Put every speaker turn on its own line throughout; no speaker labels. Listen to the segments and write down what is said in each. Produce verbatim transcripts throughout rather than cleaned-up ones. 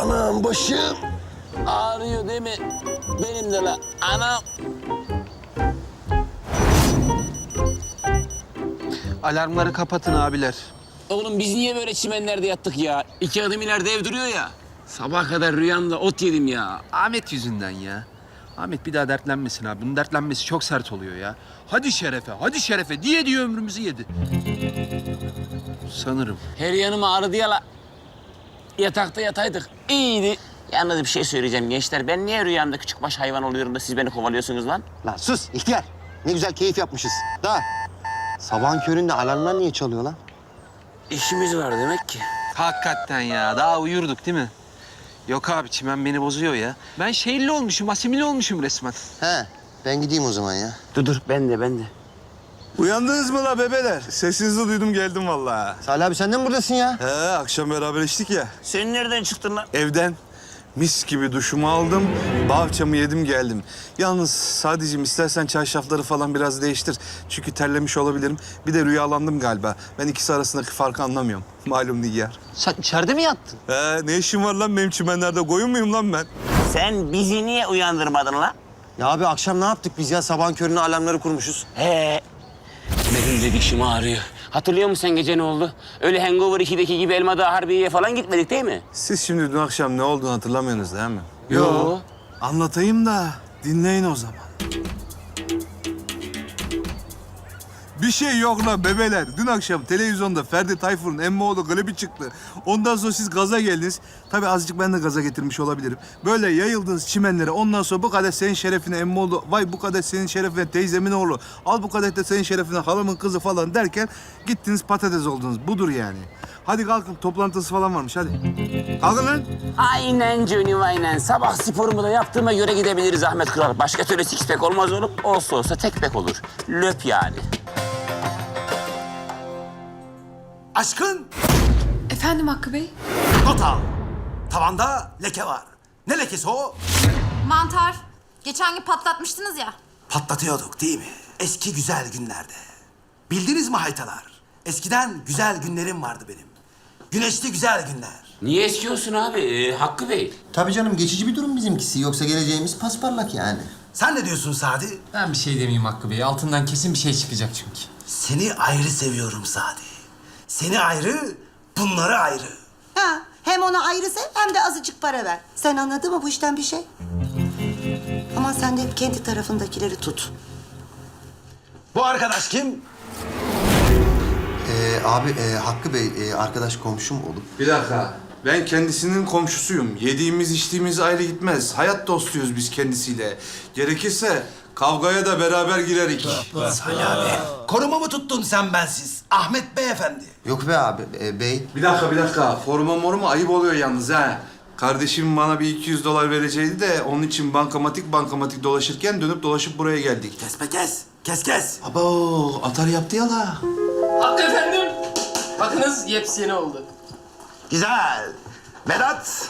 Anam başım ağrıyor değil mi? Benim de la anam.
Alarmları kapatın abiler.
Oğlum biz niye böyle çimenlerde yattık ya? İki adım ileride ev duruyor ya. Sabah kadar rüyamda ot yedim ya.
Ahmet yüzünden ya. Ahmet bir daha dertlenmesin abi. Bunun dertlenmesi çok sert oluyor ya. Hadi şerefe, hadi şerefe diye diye ömrümüzü yedi. Sanırım.
Her yanım ağrıdı ya la. Yatakta yataydık. İyiydi. Yalnız bir şey söyleyeceğim gençler. Ben niye rüyamda küçük baş hayvan oluyorum da siz beni kovalıyorsunuz lan?
Lan sus ihtiyar. Ne güzel keyif yapmışız. Da sabahın köründe alarmlar niye çalıyor lan?
İşimiz var demek ki.
Hakikaten ya. Daha uyurduk değil mi? Yok abi çimen beni bozuyor ya. Ben şehirli olmuşum, asimile olmuşum resmen.
He ben gideyim o zaman ya.
Dur dur ben de ben de.
Uyandınız mı la bebeler? Sesinizi duydum geldim vallahi.
Salih abi sen de mi buradasın ya?
He akşam beraber içtik ya.
Sen nereden çıktın lan?
Evden mis gibi duşumu aldım, bahçamı yedim geldim. Yalnız sadece istersen çarşafları falan biraz değiştir. Çünkü terlemiş olabilirim. Bir de rüyalandım galiba. Ben ikisi arasındaki farkı anlamıyorum. Malum Nigar.
Sen içeride mi yattın?
He ne işim var lan benim çimenlerde? Koyun muyum lan ben?
Sen bizi niye uyandırmadın lan?
Ya abi akşam ne yaptık biz ya? Sabahın körüne alarmları kurmuşuz.
He. Benim de dişim ağrıyor. Hatırlıyor musun sen gece ne oldu? Öyle Hangover ikideki gibi Elmadağ Harbiye'ye falan gitmedik değil mi?
Siz şimdi dün akşam ne olduğunu hatırlamıyorsunuz değil mi?
Yo.
Anlatayım da dinleyin o zaman. Bir şey yok lan bebeler. Dün akşam televizyonda Ferdi Tayfur'un Emmoğlu klibi çıktı. Ondan sonra siz gaza geldiniz. Tabii azıcık ben de gaza getirmiş olabilirim. Böyle yayıldınız çimenlere. Ondan sonra bu kadar senin şerefine Emmoğlu, vay bu kadar senin şerefine teyzemin oğlu, al bu kadar da senin şerefine halamın kızı falan derken gittiniz patates oldunuz. Budur yani. Hadi kalkın toplantısı falan varmış hadi. Kalkın lan.
Aynen Johnny aynen. Sabah sporumu da yaptığıma göre gidebiliriz Ahmet Kral. Başka türlü six pack olmaz oğlum. Olsa olsa tek pack olur. Löp yani.
Aşkın
Efendim Hakkı Bey?
not al. Tavanda leke var. Ne lekesi o?
Mantar. Geçen gün patlatmıştınız ya.
Patlatıyorduk değil mi? Eski güzel günlerde. Bildiniz mi haytalar? Eskiden güzel günlerim vardı benim. Güneşli güzel günler.
Niye eskiyorsun abi ee, Hakkı Bey?
Tabii canım geçici bir durum bizimkisi. Yoksa geleceğimiz pasparlak yani.
Sen ne diyorsun Sadi?
Ben bir şey demeyeyim Hakkı Bey. Altından kesin bir şey çıkacak çünkü.
Seni ayrı seviyorum Sadi. Seni ayrı, bunları ayrı.
Ha, hem ona ayrı sev hem de azıcık para ver. Sen anladın mı bu işten bir şey? Ama sen de hep kendi tarafındakileri tut.
Bu arkadaş kim?
Ee, abi e, Hakkı Bey e, arkadaş komşum olup.
Bir dakika. Ben kendisinin komşusuyum. Yediğimiz içtiğimiz ayrı gitmez. Hayat dostuyuz biz kendisiyle. Gerekirse kavgaya da beraber girerik.
Salih abi. Koruma mı tuttun sen bensiz? Ahmet Beyefendi.
Yok be abi e, bey.
Bir dakika, bir dakika. Forma moruma ayıp oluyor yalnız ha. Kardeşim bana bir iki yüz dolar vereceğiydi de onun için bankamatik bankamatik dolaşırken dönüp dolaşıp buraya geldik.
Kes be kes. Kes kes.
Abo, atar yaptı ya la.
Hakkı efendim. Bakınız yepyeni oldu.
Güzel. Vedat.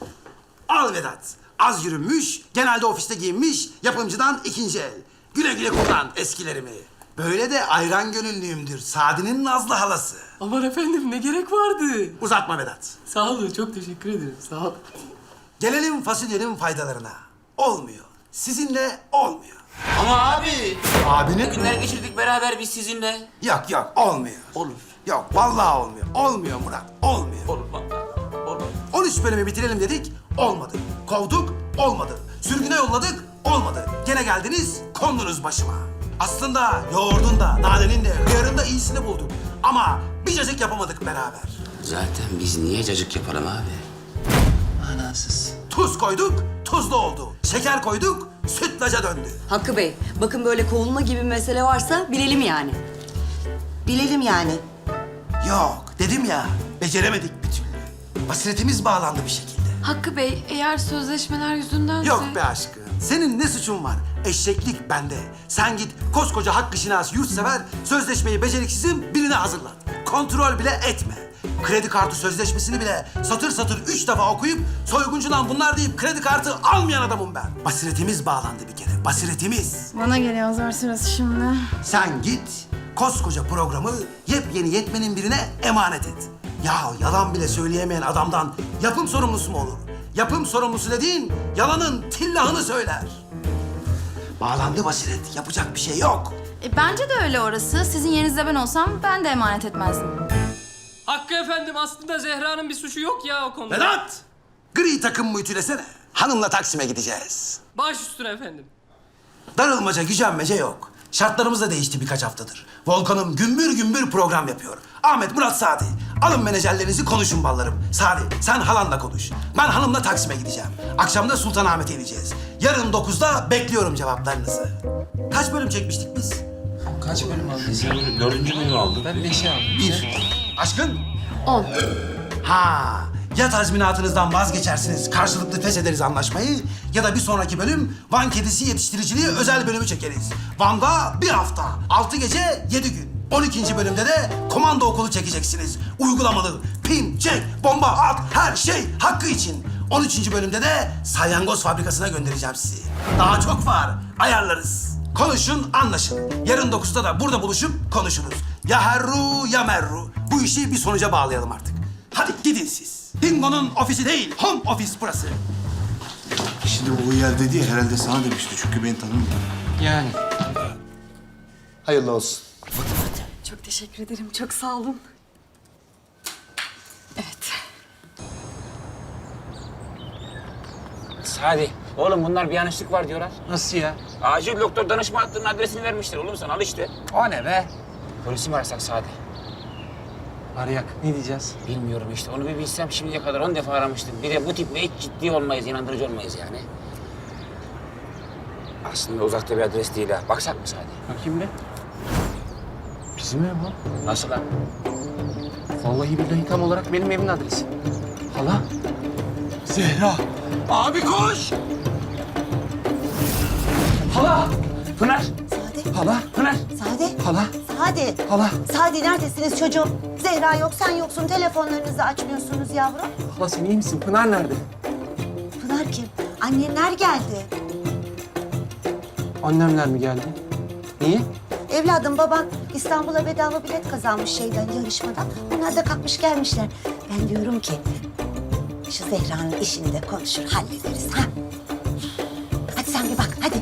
Al Vedat. Az yürünmüş, genelde ofiste giyinmiş, yapımcıdan ikinci el. Güle güle kullan eskilerimi. Böyle de ayran gönüllüyümdür. Sadi'nin Nazlı halası.
Aman efendim ne gerek vardı?
Uzatma Vedat.
Sağ olun çok teşekkür ederim sağ ol.
Gelelim fasulyenin faydalarına. Olmuyor. Sizinle olmuyor.
Ama abi.
Abinin...
Günler geçirdik beraber biz sizinle.
Yok yok olmuyor.
Olur.
Yok vallahi olmuyor. Olmuyor Murat. Olmuyor.
Olur vallahi. Olur.
on üç bölümü bitirelim dedik. Olmadı. Kovduk. Olmadı. Sürgüne yolladık. Olmadı. Gene geldiniz. Kondunuz başıma. Aslında yoğurdun da, nanenin de, hıyarın da iyisini bulduk. Ama bir cacık yapamadık beraber.
Zaten biz niye cacık yapalım abi? Anasız.
Tuz koyduk, tuzlu oldu. Şeker koyduk, sütlaca döndü.
Hakkı Bey, bakın böyle kovulma gibi bir mesele varsa bilelim yani.
Bilelim yani.
Yok, dedim ya, beceremedik bir türlü. Basiretimiz bağlandı bir şekilde.
Hakkı Bey, eğer sözleşmeler yüzündense...
Yok be aşkım, senin ne suçun var? Eşeklik bende. Sen git koskoca hakkı şinas yurtsever, sözleşmeyi beceriksizin birine hazırlat. Kontrol bile etme. Kredi kartı sözleşmesini bile satır satır üç defa okuyup soyguncudan bunlar deyip kredi kartı almayan adamım ben. Basiretimiz bağlandı bir kere, basiretimiz.
Bana geliyor zor sırası şimdi.
Sen git, koskoca programı yepyeni yetmenin birine emanet et. Ya yalan bile söyleyemeyen adamdan yapım sorumlusu mu olur? Yapım sorumlusu dediğin yalanın tillahını söyler. Bağlandı basiret. Yapacak bir şey yok.
E, bence de öyle orası. Sizin yerinizde ben olsam ben de emanet etmezdim.
Hakkı efendim aslında Zehra'nın bir suçu yok ya o konuda.
Vedat! Gri takım ütülesene. Hanımla Taksim'e gideceğiz.
Baş üstüne efendim.
Darılmaca, gücenmece yok. Şartlarımız da değişti birkaç haftadır. Volkan'ım gümbür gümbür program yapıyor. Ahmet, Murat, Sadi. Alın menajerlerinizi konuşun ballarım. Sadi, sen halanla konuş. Ben hanımla Taksim'e gideceğim. Akşam da Sultanahmet'e ineceğiz. Yarın dokuzda bekliyorum cevaplarınızı. Kaç bölüm çekmiştik biz?
Kaç bölüm aldın?
Sen dördüncü bölümü aldın.
Ben beşi aldım.
Bir. Aşkın?
On.
Ha, ya tazminatınızdan vazgeçersiniz, karşılıklı feshederiz anlaşmayı ya da bir sonraki bölüm Van kedisi yetiştiriciliği özel bölümü çekeriz. Van'da bir hafta, altı gece, yedi gün. on ikinci bölümde de komando okulu çekeceksiniz. Uygulamalı, pin, çek, bomba, at, her şey hakkı için. on üçüncü bölümde de salyangoz fabrikasına göndereceğim sizi. Daha çok var, ayarlarız. Konuşun, anlaşın. Yarın dokuzda da burada buluşup konuşuruz. Ya herru ya merru. Bu işi bir sonuca bağlayalım artık. Hadi gidin siz. Dingo'nun ofisi değil, home office burası.
Şimdi o yer dedi ya herhalde sana demişti çünkü beni tanımıyor.
Yani.
Hayırlı olsun.
Çok teşekkür ederim. Çok sağ olun. Evet.
Sadi, oğlum bunlar bir yanlışlık var diyorlar.
Nasıl ya?
Acil doktor danışma hattının adresini vermiştir oğlum sen al işte.
O ne be?
Polisi mi arasak Sadi?
Arayak. Ne diyeceğiz?
Bilmiyorum işte onu bir bilsem şimdiye kadar on defa aramıştım. Bir de bu tiple hiç ciddi olmayız, inandırıcı olmayız yani. Aslında uzakta bir adres değil ha. Baksak mı Sadi?
Bakayım bir. Bizim ev bu.
Nasıl lan?
Vallahi billahi tam olarak benim evimin adresi. Hala.
Zehra! Abi koş!
Hala.
Pınar!
Sade,
Hala.
Pınar!
Sade,
Hala.
Sade.
Hala.
Sade neredesiniz çocuğum? Zehra yok, sen yoksun. Telefonlarınızı açmıyorsunuz yavrum.
Hala sen iyi misin? Pınar nerede?
Pınar kim? Annenler geldi.
Annemler mi geldi? Niye?
Evladım, baban İstanbul'a bedava bilet kazanmış şeyden, yarışmadan. Onlar da kalkmış gelmişler. Ben diyorum ki şu Zehra'nın işini de konuşur, hallederiz ha. Hadi sen bir bak, hadi.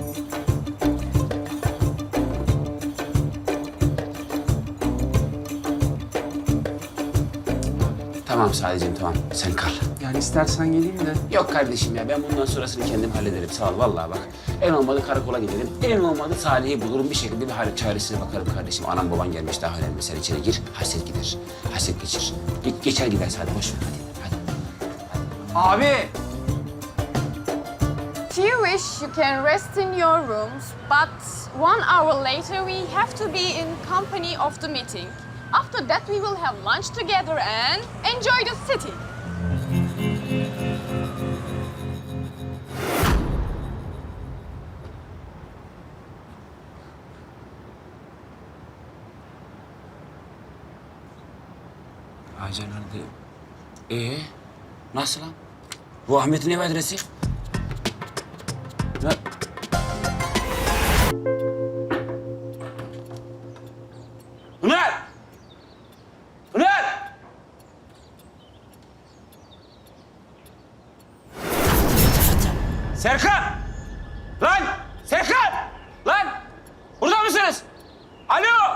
Tamam Sadiciğim tamam sen kal.
Yani istersen geleyim de.
Yok kardeşim ya ben bundan sonrasını kendim hallederim sağ ol vallahi bak. En olmadı karakola gidelim. En olmadı Salih'i bulurum bir şekilde bir hal çaresine bakarım kardeşim. Anam baban gelmiş daha önemli. Sen içeri gir hasret gider. Hasret geçir. Ge geçer gider Salih boş ver hadi. hadi.
Abi.
If you wish, you can rest in your rooms, but one hour later we have to be in company of the meeting. After that, we will have lunch together and enjoy the city.
Hacer nerede? Ee, nasıl lan? Bu Ahmet'in ev adresi. Ya... Pınar! Pınar! Serkan! Lan! Serkan! Lan! Burada mısınız? Alo!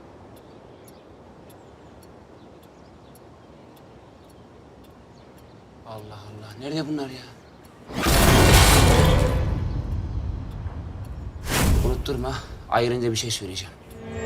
Allah Allah. Nerede bunlar ya? Unutturma. Ayrınca bir şey söyleyeceğim.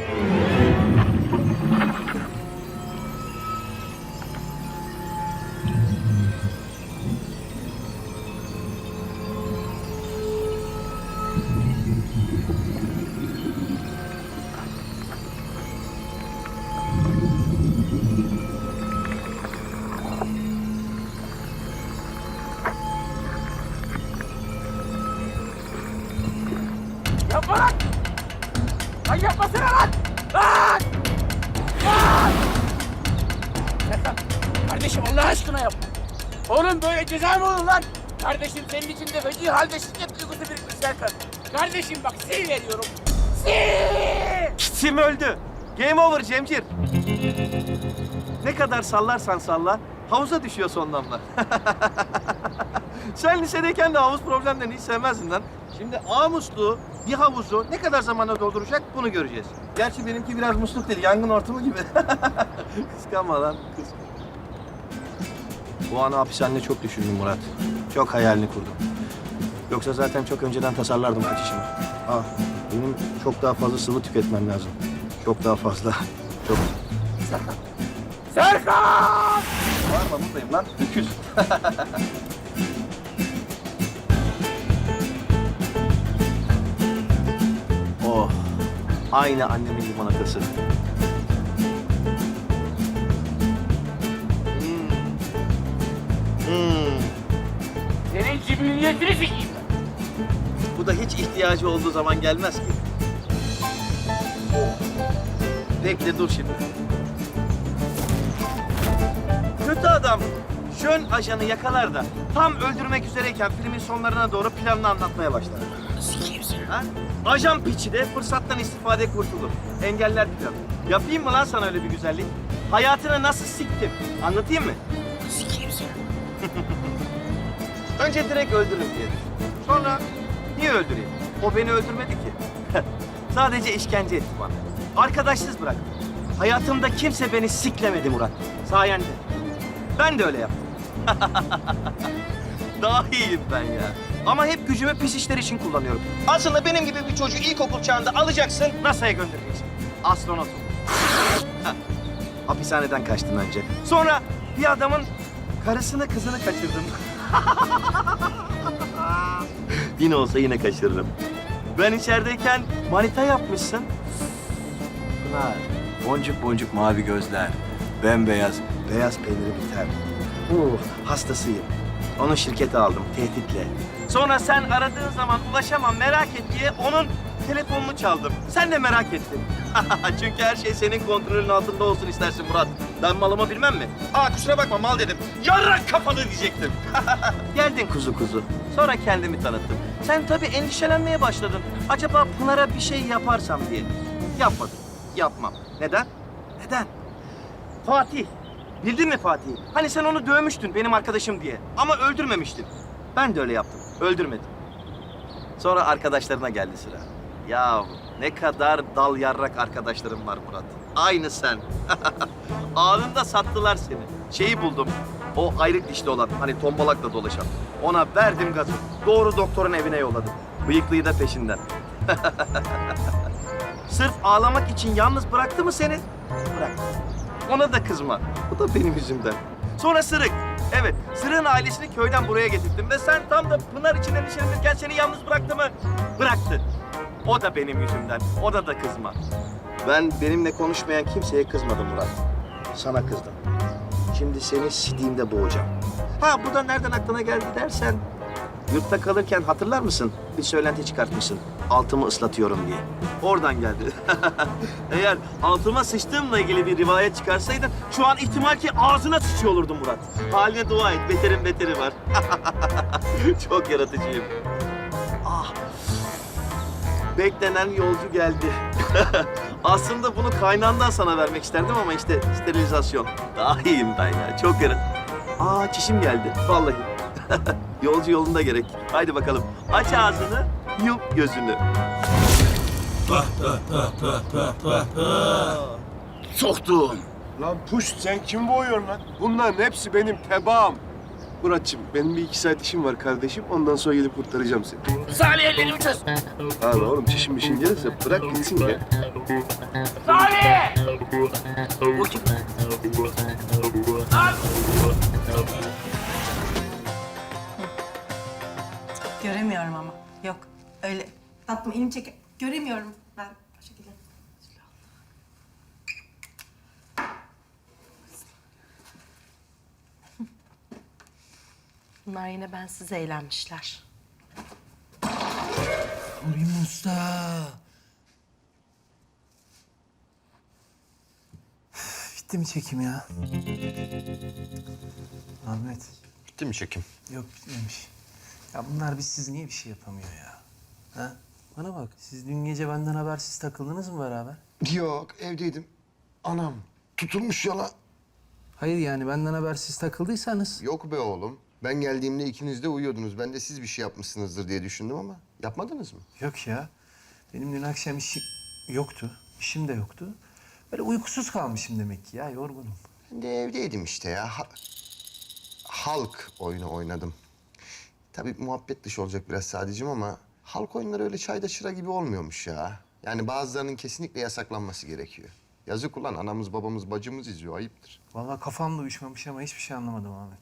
Yapma lan! Lan yapmasana lan! Lan! Lan! Serkan, kardeşim Allah aşkına yapma. Oğlum böyle ceza mı olur lan? Kardeşim senin içinde feci halde şiddet duygusu birikmiş Serkan. Kardeşim bak sil veriyorum. Sil!
Sim öldü. Game over Cemcir. Ne kadar sallarsan salla, havuza düşüyor son damla. Sen lisedeyken de havuz problemlerini hiç sevmezdin lan. Şimdi A musluğu bir havuzu ne kadar zamanda dolduracak bunu göreceğiz. Gerçi benimki biraz musluk değil, yangın ortamı gibi. Kıskanma lan, kız. Bu anı hapishanede çok düşündüm Murat. Çok hayalini kurdum. Yoksa zaten çok önceden tasarlardım kaçışımı. Ah, benim çok daha fazla sıvı tüketmem lazım. Çok daha fazla. Çok.
Serkan! Serkan!
Bağırma buradayım lan. Öküz. Oh. Aynı annemin limonatası. Hmm. Hmm.
Senin cibiliyetini sikeyim ben.
Bu da hiç ihtiyacı olduğu zaman gelmez ki. Oh. Bekle dur şimdi. Kötü adam Jön ajanı yakalar da tam öldürmek üzereyken filmin sonlarına doğru planını anlatmaya başlar.
Sikeyim seni.
Ha? Ajan piçi de fırsattan istifade kurtulur. Engeller planı. Yapayım mı lan sana öyle bir güzellik? Hayatını nasıl siktim? Anlatayım mı?
Sikeyim seni.
Önce direkt öldürürüm diye düşün. Sonra niye öldüreyim? O beni öldürmedi ki. Sadece işkence etti bana. Arkadaşsız bıraktı. Hayatımda kimse beni siklemedi Murat. Sayende. Ben de öyle yaptım. Daha iyiyim ben ya. Ama hep gücümü pis işler için kullanıyorum. Aslında benim gibi bir çocuğu ilkokul çağında alacaksın, NASA'ya göndereceksin. Astronot ol. Heh. Hapishaneden kaçtım önce. Sonra bir adamın karısını kızını kaçırdım. Yine olsa yine kaçırırım. Ben içerideyken manita yapmışsın. Pınar, boncuk boncuk mavi gözler, bembeyaz, beyaz peyniri biter. Uh, hastasıyım. Onu şirkete aldım, tehditle. Sonra sen aradığın zaman ulaşamam, merak et diye onun telefonunu çaldım. Sen de merak ettin. Çünkü her şey senin kontrolün altında olsun istersin Murat. Ben malımı bilmem mi? Aa kusura bakma mal dedim. Yarrak kafalı diyecektim. Geldin kuzu kuzu. Sonra kendimi tanıttım. Sen tabii endişelenmeye başladın. Acaba Pınar'a bir şey yaparsam diye. Yapmadım. Yapmam. Neden? Neden? Fatih. Bildin mi Fatih'i? Hani sen onu dövmüştün benim arkadaşım diye. Ama öldürmemiştin. Ben de öyle yaptım. Öldürmedim. Sonra arkadaşlarına geldi sıra. Ya ne kadar dal yarrak arkadaşlarım var Murat. Aynı sen. Anında sattılar seni. Şeyi buldum. O ayrık dişli olan, hani tombalakla dolaşan. Ona verdim gazı. Doğru doktorun evine yolladım. Bıyıklıyı da peşinden. Sırf ağlamak için yalnız bıraktı mı seni? Bıraktı. Ona da kızma. Bu da benim yüzümden. Sonra Sırık. Evet, Sırık'ın ailesini köyden buraya getirdim. Ve sen tam da Pınar için endişelenirken seni yalnız bıraktı mı? Bıraktı. O da benim yüzümden. Ona da kızma. Ben benimle konuşmayan kimseye kızmadım Murat. Sana kızdım. Şimdi seni sidiğimde boğacağım. Ha bu da nereden aklına geldi dersen... Yurtta kalırken hatırlar mısın? Bir söylenti çıkartmışsın. Altımı ıslatıyorum diye. Oradan geldi. Eğer altıma sıçtığımla ilgili bir rivayet çıkarsaydın... ...şu an ihtimal ki ağzına sıçıyor olurdun Murat. Haline dua et. Beterin beteri var. Çok yaratıcıyım. Ah. Beklenen yolcu geldi. Aslında bunu kaynağından sana vermek isterdim ama işte sterilizasyon. Daha iyiyim ben ya. Çok yarın. Aa çişim geldi. Vallahi. Yolcu yolunda gerek. Haydi bakalım. Aç ağzını, yum gözünü.
Soktum.
Lan puş sen kim boğuyorsun lan? Bunların hepsi benim tebaam. Muratçım benim bir iki saat işim var kardeşim. Ondan sonra gelip kurtaracağım seni.
Salih ellerimi çöz.
Abi oğlum çişim bir şey gelirse bırak gitsin ya.
Salih! O kim? Lan!
Göremiyorum ama. Yok öyle. Tatlım elini çek. Göremiyorum ben o şekilde. Bunlar yine bensiz eğlenmişler.
Ulim Usta. Bitti mi çekim ya? Ahmet.
Bitti mi çekim?
Yok bitmemiş. Ya bunlar bizsiz niye bir şey yapamıyor ya? Ha? Bana bak, siz dün gece benden habersiz takıldınız mı beraber?
Yok evdeydim. Anam tutulmuş yola.
Hayır yani benden habersiz takıldıysanız.
Yok be oğlum. Ben geldiğimde ikiniz de uyuyordunuz. Ben de siz bir şey yapmışsınızdır diye düşündüm ama yapmadınız mı?
Yok ya. Benim dün akşam işim yoktu. İşim de yoktu. Böyle uykusuz kalmışım demek ki ya. Yorgunum.
Ben de evdeydim işte ya. Ha- halk oyunu oynadım. Tabii muhabbet dışı olacak biraz sadece ama halk oyunları öyle çayda çıra gibi olmuyormuş ya. Yani bazılarının kesinlikle yasaklanması gerekiyor. Yazık ulan anamız babamız bacımız izliyor ayıptır.
Vallahi kafam da uyuşmamış ama hiçbir şey anlamadım Ahmet.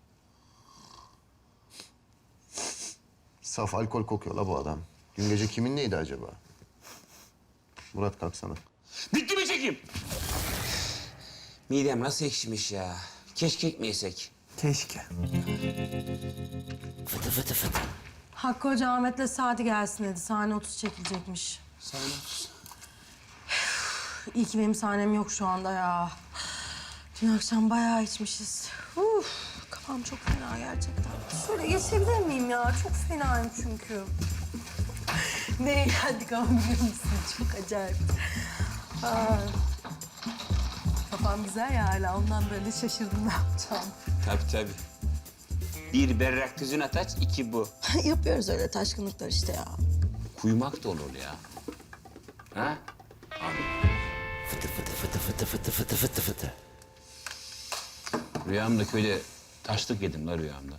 Saf alkol kokuyor la bu adam. Dün gece kimin neydi acaba? Murat kalksana.
Bitti mi çekim?
Midem nasıl ekşimiş ya. Keşke ekmeysek.
Keşke.
Fıtı fıtı fıtı.
Hakkı Hoca Ahmet'le Sadi gelsin dedi. Sahne otuz çekilecekmiş.
Sahne otuz.
İyi ki benim sahnem yok şu anda ya. Dün akşam bayağı içmişiz. Uf, kafam çok fena gerçekten. Şöyle geçebilir miyim ya? Çok fenayım çünkü. Ne eğlendik ama biliyor musun? Çok acayip. Aa, kafam güzel ya hala. Ondan böyle şaşırdım ne yapacağım.
Tabii tabii. Bir berrak tüzün ataç, iki bu.
Yapıyoruz öyle taşkınlıklar işte ya.
Kuyumak da olur ya. Ha? Abi. Fıtı fıtı fıtı fıtı fıtı fıtı fıtı fıtı. Rüyamda köyde taşlık yedim la rüyamda.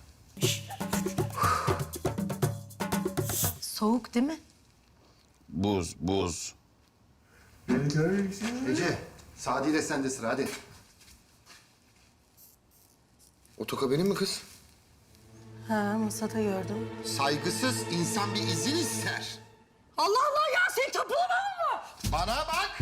Soğuk değil mi?
Buz, buz.
Ece, Sadi ile sende sıra hadi. O toka benim mi kız?
Ha, masada gördüm.
Saygısız insan bir izin ister.
Allah Allah ya sen tapulama mı?
Bana bak!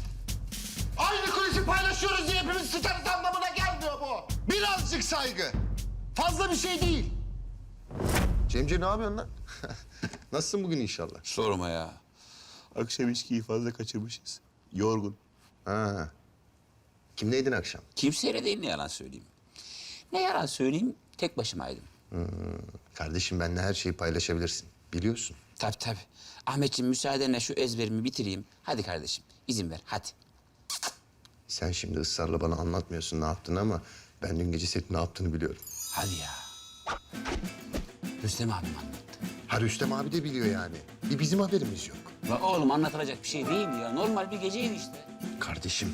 Aynı kulisi paylaşıyoruz diye hepimiz sıçarız anlamına gelmiyor bu. Birazcık saygı. Fazla bir şey değil. Cemce ne yapıyorsun lan? Nasılsın bugün inşallah?
Sorma ya. Akşam içkiyi fazla kaçırmışız. Yorgun.
Ha. Kimleydin akşam?
Kimseyle değil, ne yalan söyleyeyim. Ne yalan söyleyeyim, tek başımaydım.
Hmm. Kardeşim benimle her şeyi paylaşabilirsin. Biliyorsun.
Tabii tabii. Ahmetciğim müsaadenle şu ezberimi bitireyim. Hadi kardeşim, izin ver, hadi.
Sen şimdi ısrarla bana anlatmıyorsun ne yaptığını ama ben dün gece senin ne yaptığını biliyorum.
Hadi ya. Rüstem abim anlattı.
Ha Rüstem abi de biliyor yani. Bir bizim haberimiz yok.
La oğlum anlatılacak bir şey değil ya. Normal bir geceydi işte.
Kardeşim.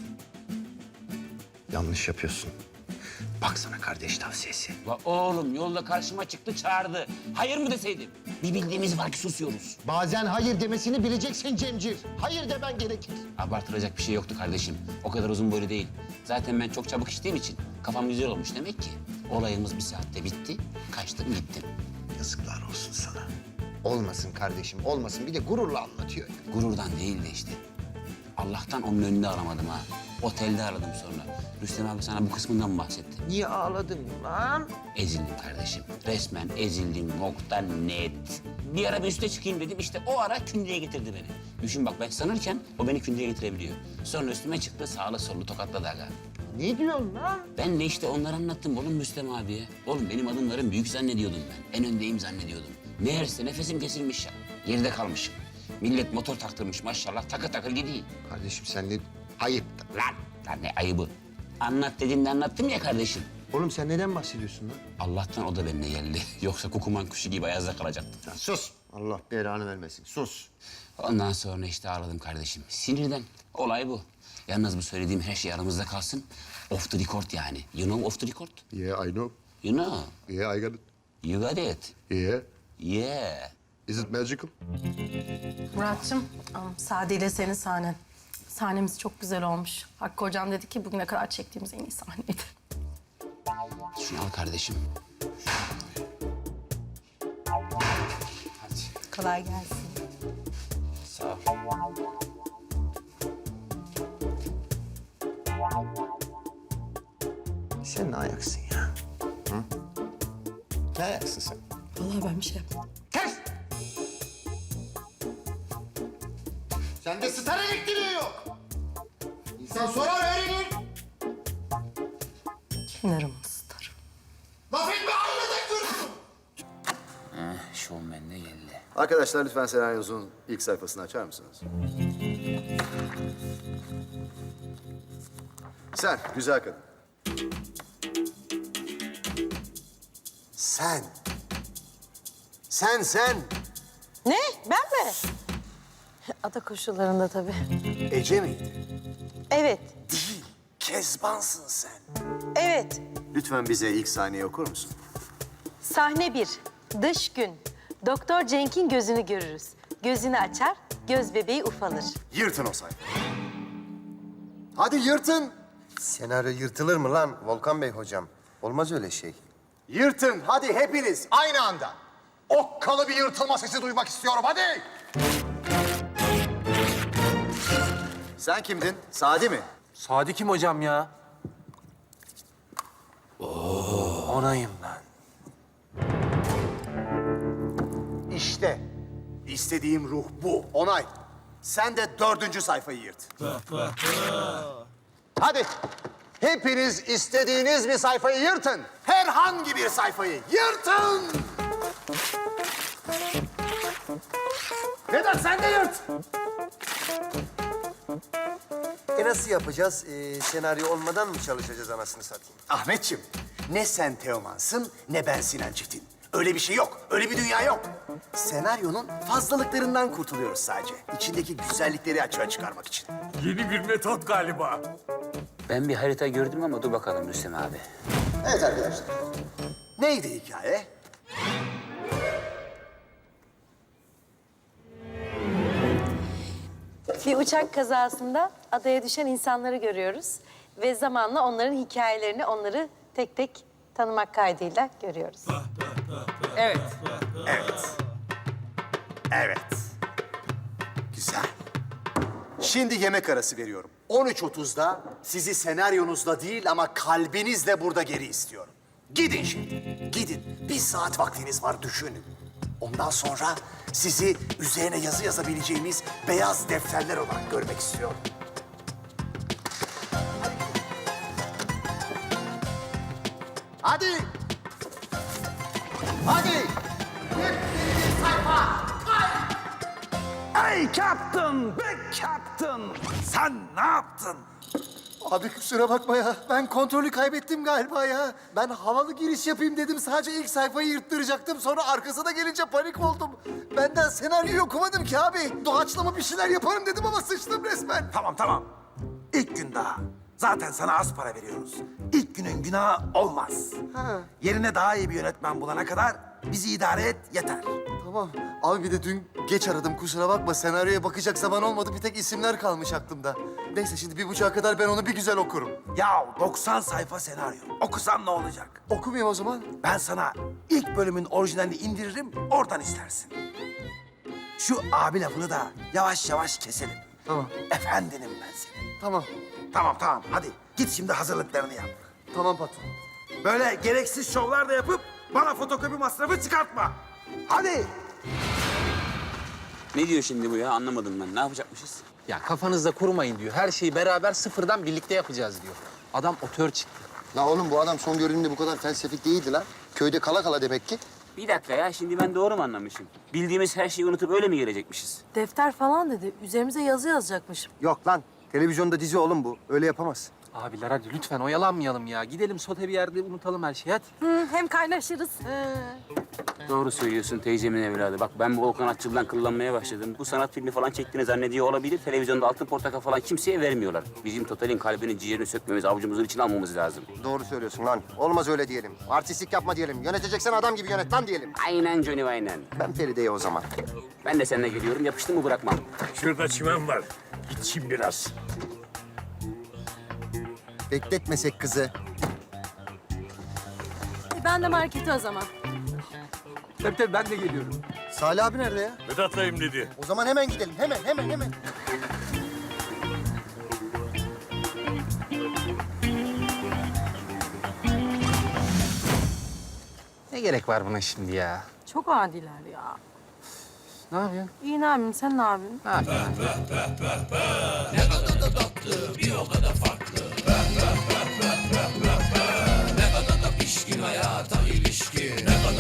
Yanlış yapıyorsun. Bak sana kardeş tavsiyesi.
La oğlum yolda karşıma çıktı çağırdı. Hayır mı deseydim? Bir bildiğimiz var ki susuyoruz.
Bazen hayır demesini bileceksin Cemcir. Hayır demen gerekir.
Abartılacak bir şey yoktu kardeşim. O kadar uzun boylu değil. Zaten ben çok çabuk içtiğim için kafam güzel olmuş demek ki. Olayımız bir saatte bitti. Kaçtım gittim.
Yazıklar olsun sana. Olmasın kardeşim, olmasın. Bir de gururla anlatıyor. ya.
Gururdan değil de işte. Allah'tan onun önünde aramadım ha. Otelde aradım sonra. Rüstem abi sana bu kısmından mı bahsetti?
Niye ağladın lan?
Ezildim kardeşim. Resmen ezildim. Nokta net. Bir ara bir üste çıkayım dedim. İşte o ara kündeye getirdi beni. Düşün bak ben sanırken o beni kündeye getirebiliyor. Sonra üstüme çıktı sağlı sollu tokatladı aga.
Ne diyorsun lan?
Ben de işte onları anlattım oğlum Rüstem abiye. Oğlum benim adımlarım büyük zannediyordum ben. En öndeyim zannediyordum. Meğerse nefesim kesilmiş ya. Geride kalmışım. Millet motor taktırmış maşallah takır takır gidiyor.
Kardeşim sen ne... Ayıp.
Lan, lan ne ayıbı. Anlat dediğimde anlattım ya kardeşim.
Oğlum sen neden bahsediyorsun lan?
Allah'tan o da benimle geldi. Yoksa kukuman kuşu gibi ayazda kalacaktım.
Ya sus. Allah belanı vermesin. Sus.
Ondan sonra işte ağladım kardeşim. Sinirden. Olay bu. Yalnız bu söylediğim her şey aramızda kalsın. Off the record yani. You know off the record?
Yeah, I know.
You know.
Yeah, I got it.
You got it.
Yeah.
Yeah.
Is it magical?
Murat'cığım, Sadi ile senin sahnen. Sahnemiz çok güzel olmuş. Hakkı Hocam dedi ki bugüne kadar çektiğimiz en iyi sahneydi.
Şunu al kardeşim. Hadi.
Kolay gelsin.
Sağ ol.
Sen ne ayaksın ya? Hı? Ne ayaksın sen?
Vallahi ben bir şey yapmadım.
Kes! Sende star elektriği yok. İnsan sorar öğrenir.
Kenarımı ısıtarım.
Laf etme aynada görürsün.
Heh, şovmen de geldi.
Arkadaşlar lütfen senaryonuzun ilk sayfasını açar mısınız? Sen, güzel kadın.
Sen. Sen, sen.
Ne? Ben mi? Ada koşullarında tabii.
Ece miydi?
Evet.
Değil. Kezbansın sen.
Evet.
Lütfen bize ilk sahneyi okur musun?
Sahne bir. Dış gün. Doktor Cenk'in gözünü görürüz. Gözünü açar, göz bebeği ufalır.
Yırtın o sayfayı. Hadi yırtın.
Senaryo yırtılır mı lan Volkan Bey hocam? Olmaz öyle şey.
Yırtın. Hadi hepiniz aynı anda. Okkalı bir yırtılma sesi duymak istiyorum. Hadi. Sen kimdin? Sadi mi?
Sadi kim hocam ya? Onayım ben.
İşte istediğim ruh bu. Onay. Sen de dördüncü sayfayı yırt. Hadi. Hepiniz istediğiniz bir sayfayı yırtın. Herhangi bir sayfayı yırtın. Vedat sen de yırt.
E nasıl yapacağız? Ee, senaryo olmadan mı çalışacağız anasını satayım?
Ahmetciğim, ne sen Teoman'sın ne ben Sinan Çetin. Öyle bir şey yok, öyle bir dünya yok. Senaryonun fazlalıklarından kurtuluyoruz sadece. İçindeki güzellikleri açığa çıkarmak için.
Yeni bir metot galiba.
Ben bir harita gördüm ama dur bakalım Rüstem abi.
Evet arkadaşlar. Neydi hikaye?
Bir uçak kazasında adaya düşen insanları görüyoruz. Ve zamanla onların hikayelerini, onları tek tek tanımak kaydıyla görüyoruz.
Evet.
Evet. Evet. Güzel. Şimdi yemek arası veriyorum. on üç otuzda sizi senaryonuzla değil ama kalbinizle burada geri istiyorum. Gidin şimdi. Gidin. Bir saat vaktiniz var düşünün. Ondan sonra sizi üzerine yazı yazabileceğimiz beyaz defterler olarak görmek istiyorum. Hadi. Hadi. Hepiniz sayfa.
Ey Captain, big Captain. Sen ne yaptın?
Abi kusura bakma ya. Ben kontrolü kaybettim galiba ya. Ben havalı giriş yapayım dedim. Sadece ilk sayfayı yırttıracaktım. Sonra arkasına gelince panik oldum. Benden senaryoyu okumadım ki abi. Doğaçlama bir şeyler yaparım dedim ama sıçtım resmen.
Tamam tamam. İlk gün daha. Zaten sana az para veriyoruz. İlk günün günahı olmaz.
Ha.
Yerine daha iyi bir yönetmen bulana kadar bizi idare et yeter.
Tamam. Abi bir de dün geç aradım kusura bakma. Senaryoya bakacak zaman olmadı. Bir tek isimler kalmış aklımda. Neyse şimdi bir buçuğa kadar ben onu bir güzel okurum.
Ya doksan sayfa senaryo. Okusan ne olacak?
Okumayayım o zaman.
Ben sana ilk bölümün orijinalini indiririm, oradan istersin. Şu abi lafını da yavaş yavaş keselim.
Tamam.
Efendinim ben senin.
Tamam.
Tamam tamam hadi git şimdi hazırlıklarını yap.
Tamam patron.
Böyle gereksiz şovlar da yapıp bana fotokopi masrafı çıkartma. Hadi.
Ne diyor şimdi bu ya? Anlamadım ben. Ne yapacakmışız?
Ya kafanızda kurmayın diyor. Her şeyi beraber sıfırdan birlikte yapacağız diyor. Adam otör çıktı.
La oğlum bu adam son görünümde bu kadar felsefik değildi lan. Köyde kala kala demek ki.
Bir dakika ya, şimdi ben doğru mu anlamışım? Bildiğimiz her şeyi unutup öyle mi gelecekmişiz?
Defter falan dedi. Üzerimize yazı yazacakmış.
Yok lan. Televizyonda dizi oğlum bu. Öyle yapamaz.
Abiler hadi lütfen oyalanmayalım ya. Gidelim sote bir yerde unutalım her şeyi hadi.
Hı, hem kaynaşırız.
Doğru söylüyorsun teyzemin evladı. Bak ben bu Volkan Atçıl'dan kıllanmaya başladım. Bu sanat filmi falan çektiğini zannediyor olabilir. Televizyonda altın portakal falan kimseye vermiyorlar. Bizim Total'in kalbini, ciğerini sökmemiz, avucumuzun içine almamız lazım.
Doğru söylüyorsun lan. Olmaz öyle diyelim. Artistlik yapma diyelim. Yöneteceksen adam gibi yönet lan diyelim.
Aynen Johnny aynen.
Ben Feride'ye o zaman.
Ben de seninle geliyorum. Yapıştın mı bırakmam.
Şurada çimen var. İçeyim biraz.
Bekletmesek kızı.
Ben de markete o zaman.
Tabii tabii ben de geliyorum.
Salih abi nerede ya?
Vedat'layım dedi.
O zaman hemen gidelim. Hemen, hemen, hemen.
Ne gerek var buna şimdi ya?
Çok adiler ya.
Ne yapıyorsun?
İyi ne yapayım, sen ne yapıyorsun?
Ne yapıyorsun?
Bir o kadar farklı. Ne kadar da pişkin hayata ilişkin. Ne kadar